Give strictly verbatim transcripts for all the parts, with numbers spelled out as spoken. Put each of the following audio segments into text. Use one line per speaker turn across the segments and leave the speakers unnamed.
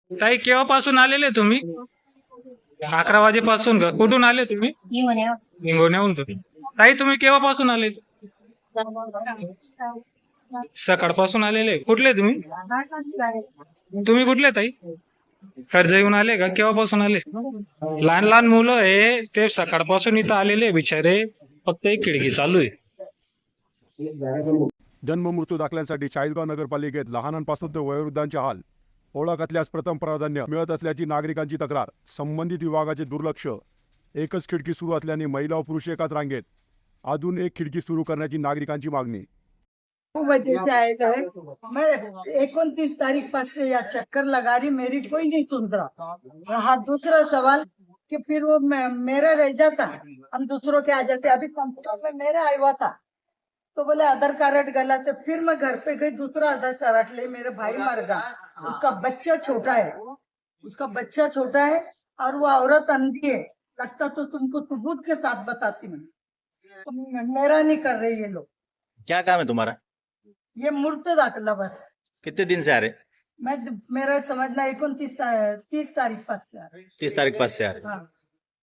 ताई केव्हापासून आलेले तुम्ही? अकरा वाजेपासून का? कुठून आले तुम्ही? हिंगोण्याहून तुम्ही. ताई तुम्ही केव्हापासून आले? सकाळपासून आलेले. कुठले तुम्ही? तुम्ही कुठले ताई? कर्ज येऊन आले का? केव्हापासून आले? लहान लहान मुलं हे ते सकाळपासून इथं आलेले बिचारे. फक्त एक खिडकी चालू आहे.
जन्म मृत्यू दाखल्यांसाठी चाळीसगाव नगरपालिकेत लहानांपासून ते वयोवृद्धांचे हाल. ओळख असल्यास प्रथम प्राधान्य मिळत असल्याची नागरिकांची तक्रार. संबंधित विभागाचे दुर्लक्ष. एकच खिडकी सुरू असल्याने महिला व पुरुष एकाच रांगेत. अजून एक खिडकी सुरू करण्याची नागरिकांची मागणी.
वजह से आएगा है मैं इकतीस तारीख पास से या चक्कर लगा रही, मेरी कोई नहीं सुन रहा। हाँ, दूसरा सवाल कि फिर वो मेरा रह जाता, हम दूसरों के आ जाते। अभी कंप्यूटर में मेरा आया हुआ था तो बोले आधार कार्ड गला, तो फिर मैं घर पे गई, दूसरा आधार कार्ड ले, मेरा भाई मर गया, उसका बच्चा छोटा है, उसका बच्चा छोटा है और वो औरत अंधी है। लगता तो तुमको सबूत के साथ बताती मैं, तो मेरा नहीं कर रहे ये लोग।
क्या काम है तुम्हारा?
ये मूर्त दाखला बस।
कितने दिन से आ रहे?
मैं मेरा समझना एकोणतीस तीस तारीख पास से आ रही।
तीस तारीख पास से आ रहे.
हाँ।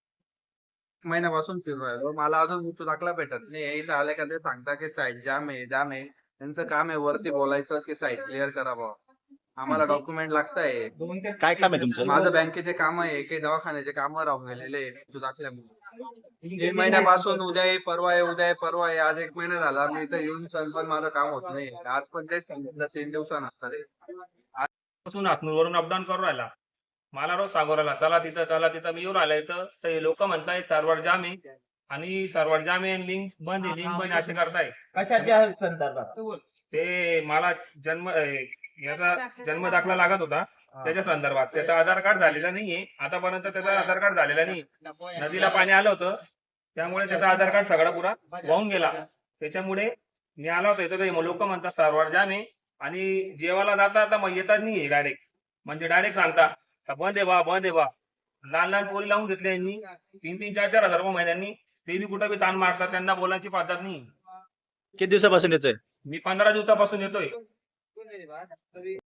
महिन्यापासून फिरवाय मला अजून मृत्यू दाखला भेटत नाही. इथं आले का ते सांगता की साईट जाम आहे जाम आहे. त्यांचं काम आहे वरती बोलायचं की साईट क्लिअर करा बुवा. आम्हाला डॉक्युमेंट लागताय.
काय काम आहे तुमचं?
माझं बँकेचे काम आहे, काही दवाखान्याचे काम राहून गेलेले आहे मृत्यू दाखल्यामुळे. तीन महिन्यापासून उद्या आहे परवा आहे उद्या आहे परवा आहे, आज एक महिना झाला मी इथं येऊन सण पण माझं काम होत नाही. आज पण तेच सांगितलं तीन दिवसानंतर आहे.
पासून हातनूरवरून अपडाऊन करून राहिला. मला रोज सांगू राहिला चला तिथं चला तिथं. मी येऊन राहिला इथं तर लोक म्हणताय सर्व्हर जाम आहे आणि सर्व्हर जाम आहे, लिंक बंद आहे लिंक बंद असे करताय.
कशाच्या संदर्भात?
ते मला जन्म अं, याचा जन्म दाखला लागत होता त्याच्या संदर्भात. त्याचा आधार कार्ड झालेला नाहीये आतापर्यंत, त्याचा आधार कार्ड झालेला नाही. नदीला पाणी आलं होतं त्यामुळे त्याचा आधार कार्ड सगळा पुरा वाहून गेला. त्याच्यामुळे मी आला होतो इथं. लोक म्हणतात सर्व्हर जाम आहे आणि जेवायला जाता आता मग येतात नाही डायरेक्ट, म्हणजे डायरेक्ट सांगता बंद आहे बा बंद आहे बा. लहान लहान पोरी लावून घेतले यांनी तीन तीन चार चार हजार रुपये महिन्यांनी. ते बी कुठं बी ताण मारतात, त्यांना बोलायची पद्धत नाही.
किती दिवसापासून येतोय?
मी पंधरा दिवसापासून येतोय.